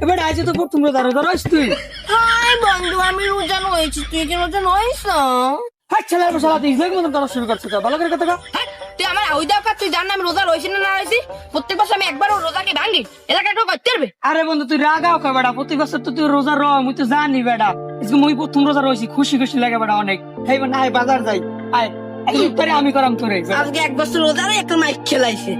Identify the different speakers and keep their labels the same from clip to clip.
Speaker 1: এবার আইছে তো প্রথম রোজা রোজা রইস তুই।
Speaker 2: হাই বন্ধু, আমি রোজা নয়েছি, তুই কি রোজা নইস?
Speaker 1: হ্যাঁ ছেলের বসালা তুই ইসলাম মতন করা শুরু করছিস ভালো করে কথা
Speaker 2: হ্যাঁ, তুই আমার ওই দরকার, তুই জান না আমি রোজা রয়েছি না না রয়েছি। প্রত্যেক বছর আমি একবারও রোজাকে ভাঙি, এলাকায় কেউ করতে পারবে?
Speaker 1: আরে বন্ধু তুই রাগাও কা বেটা, প্রতি বছর তো তুই রোজা র মুই তো জানি বেটা, আজকে মুই প্রথম রোজা রইছি, খুশি খুশি লাগে বেটা অনেক। হেই না হাই বাজার যাই, আয় একদিন তোরে আমি করাম তোরে।
Speaker 2: আজকে এক বছর রোজা রে একটা মাইক খেলাইছে।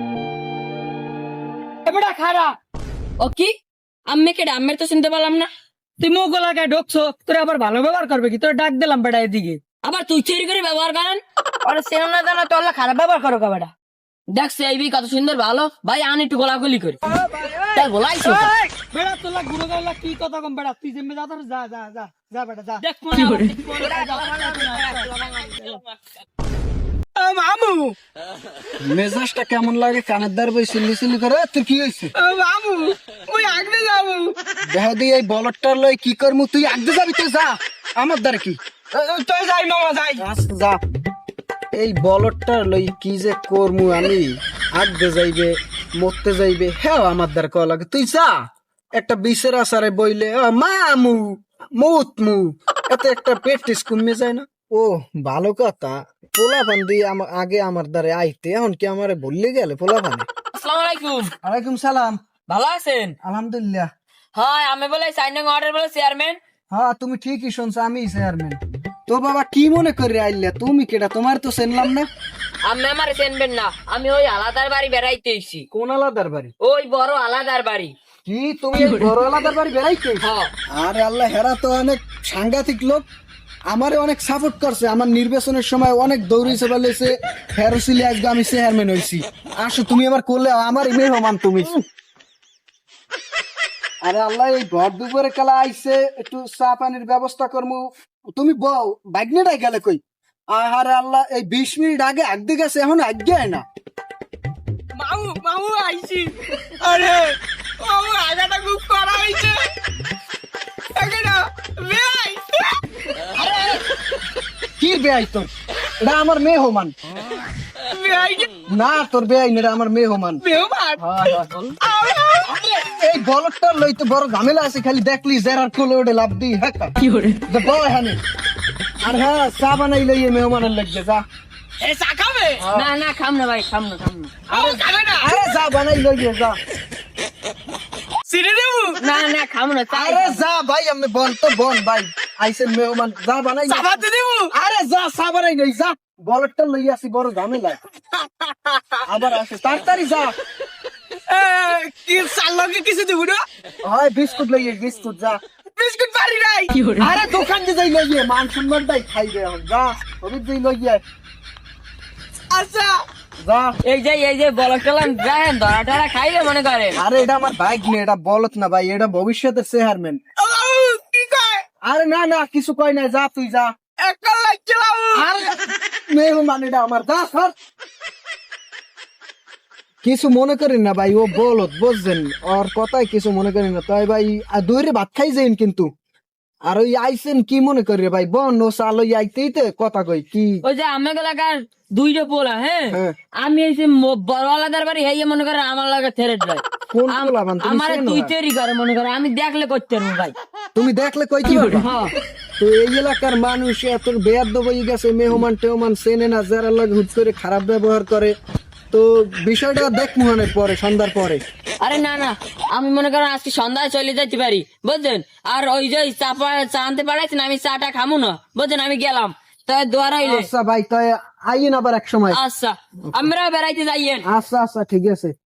Speaker 1: এ বেটা খারা
Speaker 2: ও কি আম্মে কেডা? আম্মের তো শুনতে পেলাম না।
Speaker 1: তুই মুখ গলায় ঢুকছো, তোরে আবার ভালো ব্যবহার করবে কি? তোরে ডাক দিলাম বেটা এদিকে।
Speaker 2: আবার তুই চুরি করে ব্যবহার করেন? আরে সেরম না জানা তো আল্লাহ খারাপ ব্যবহার করো কাবাডা। দেখছে এই কত সুন্দর ভালো ভাই, আন একটু গোলাগুলি করি তাই বলাইছো।
Speaker 1: এই, বেটা তোলা গুরু গাইলা কি কথা কম বেটা, তুই যেমনি যা তোর যা যা যা যা বেটা যা।
Speaker 2: দেখ
Speaker 1: মামু
Speaker 3: মেজাজটা কেমন লাগে? কানের দ্বার বই সিল্লি সিল্লি করে। তোর কি হয়েছে?
Speaker 1: মামু মুই আগলে যাবো।
Speaker 3: দেখা দিই এই বলটার লই কি করমু? তুই আগতে যাবি তো যা, আমার দ্বার কি?
Speaker 1: তুই যাই মামা যাই।
Speaker 3: আচ্ছা, যা। এই বলটার লই কি যে করমু আমি? আগতে যাইবে, মরতে যাইবে, হ্যাঁ আমার দ্বার কল লাগে। তুই যা, একটা বিষের আসারে বইলে মামু মুতমু, এতে একটা প্র্যাকটিস কমে যায় না? ও ভালো কথা। পোলা বান্দি আগে আমার দ্বারে আইতে, এখন কি আমারে বললে গেলে পোলা বান্দি?
Speaker 2: আসসালামু আলাইকুম।
Speaker 3: ওয়ালাইকুম সালাম।
Speaker 2: ভালো আছেন?
Speaker 3: আলহামদুলিল্লাহ।
Speaker 2: হ্যাঁ, আমি বলে সাইনিং অর্ডার বলে চেয়ারম্যান।
Speaker 3: হ্যাঁ তুমি ঠিকই শুনছো, আমি চেয়ারম্যান। তো বাবা কি মনে করে আইলে? তুমি কেডা? তোমার তো চিনলাম না।
Speaker 2: আমি আমার চেনবেন না, আমি ওই আলাদার বাড়ি বেড়াইতে এসেছি।
Speaker 3: কোন আলাদার বাড়ি?
Speaker 2: ওই বড় আলাদার বাড়ি।
Speaker 3: কি তুমি এই বড় আলাদার বাড়ি বেড়াইতে?
Speaker 2: হ্যাঁ।
Speaker 3: আরে আল্লাহ, হেরা তো অনেক সাংঘাতিক লোক, আমারে অনেক সাপোর্ট করছে। আমার নির্বাচনের সময় অনেক দৌড়িয়েছে, বলেছে ফেরোসিলি আজকে আমি চেয়ারম্যান হয়েছি। আসো তুমি আমার করলে আমার মেহমান তুমি। আরে আল্লাহ, এই ঘর দুপুরে কালা আইছে, একটু চা পানির ব্যবস্থা করবো। তুমি বউ বাইকনেটাই গেলে কই? আরে আল্লাহ, এই 20 মিনিট আগে আগতে গেছে, এখন আগে না।
Speaker 1: মামু মামু আইছি। আরে মামু আগাটা খুব করা হইছে। এখানে বে আইছে।
Speaker 3: কি বেআই তোর? এটা আমার মেহমান।
Speaker 1: বে আইছে
Speaker 3: না তোর বেআই না, এটা আমার মেহমান।
Speaker 1: বেমান।
Speaker 3: এই বলদটা লই তো বড় ঝামেলা আছে, খালি দেখলি জেরার কোলে ওঠে লাভ দি। হ্যাঁ কি করে বয় হানি। আর হ্যাঁ, চা বানাই লইয়ে মেহমানের লাগবে, যা।
Speaker 1: এ চা খাবে?
Speaker 2: না না, খাম না ভাই, খাম না।
Speaker 1: আরে খাবে না?
Speaker 3: আরে যা বানাই লইয়ে যা।
Speaker 1: সিরে দেবো?
Speaker 2: না না, খাম না।
Speaker 3: আরে যা ভাই, আমি বন তো বন ভাই, আইসেন মেহমান, যা বানাই।
Speaker 1: চাপাতে দেবো?
Speaker 3: আরে যা, চা বানাই লই যা। বলদটা লই আসি, বড় ঝামেলা। আবার আসে, তাড়াতাড়ি যা।
Speaker 1: কি চাল লগে কিছু দেবো না?
Speaker 3: হয় বিস্কুট লইয়ে, বিস্কুট যা।
Speaker 1: বিস্কুট পারি নাই।
Speaker 3: আরে দোকান দিয়ে যাই লইয়ে, মান সম্মানটাই খাইবে এখন, যা। হবির যাই লইয়ে
Speaker 1: আচ্ছা
Speaker 3: যা।
Speaker 2: এই যে বলক চলাম দেখেন, ধরা টরা খাইবে মনে করেন।
Speaker 3: আরে এটা আমার বাইক নেই, এটা বলত না ভাই, এটা ভবিষ্যতের চেয়ারম্যান।
Speaker 1: ও কি কয়?
Speaker 3: আরে না না, কিছু কয় না, যা তুই যা।
Speaker 1: একটা লাগছিলাম।
Speaker 3: আরে মেহমান এটা আমার, যা সর। কিছু মনে করেন না ভাই, ও বলত বুঝছেন, ওর কথাই কিছু মনে করেন না। তাই ভাই দৈরে ভাত খাই যাইন কিন্তু। আর ওই আইসেন কি মনে করি ভাই, বন ও চাল ওই আইতেই তো কথা কই কি।
Speaker 2: ওই যে আমার এলাকার দুইটা পোলা, হ্যাঁ,
Speaker 3: হ্যাঁ।
Speaker 2: আমি এসে বড় আলাদার বাড়ি হইয়া মনে করে আমার লাগে থেরে যায়।
Speaker 3: কোন পোলা বান তুমি?
Speaker 2: আমার
Speaker 3: চেনো?
Speaker 2: তুই তৈরি করে মনে করে, আমি দেখলে করতে পারবো ভাই।
Speaker 3: তুমি দেখলে কইতে পারবা?
Speaker 2: হ্যাঁ।
Speaker 3: তো এই এলাকার মানুষ এত বেয়াদ্দ হয়ে গেছে, মেহমান টেহমান চেনে না, যারা লাগে হুট করে খারাপ ব্যবহার করে। তো বিষয়টা দেখ মোহনের পরে, সন্ধ্যার পরে।
Speaker 2: আরে না না, আমি মনে করেন আজকে সন্ধ্যায় চলে যেতে পারি বুঝছেন। আর ওই যে চা আনতে পারাইছেন, আমি চাটা খামু না বুঝছেন, আমি গেলাম। তাই দোয়ার হইলে
Speaker 3: আচ্ছা ভাই, তাই আইন আবার এক সময়।
Speaker 2: আচ্ছা, আমরা বেড়াইতে যাইয়েন।
Speaker 3: আচ্ছা আচ্ছা ঠিক আছে।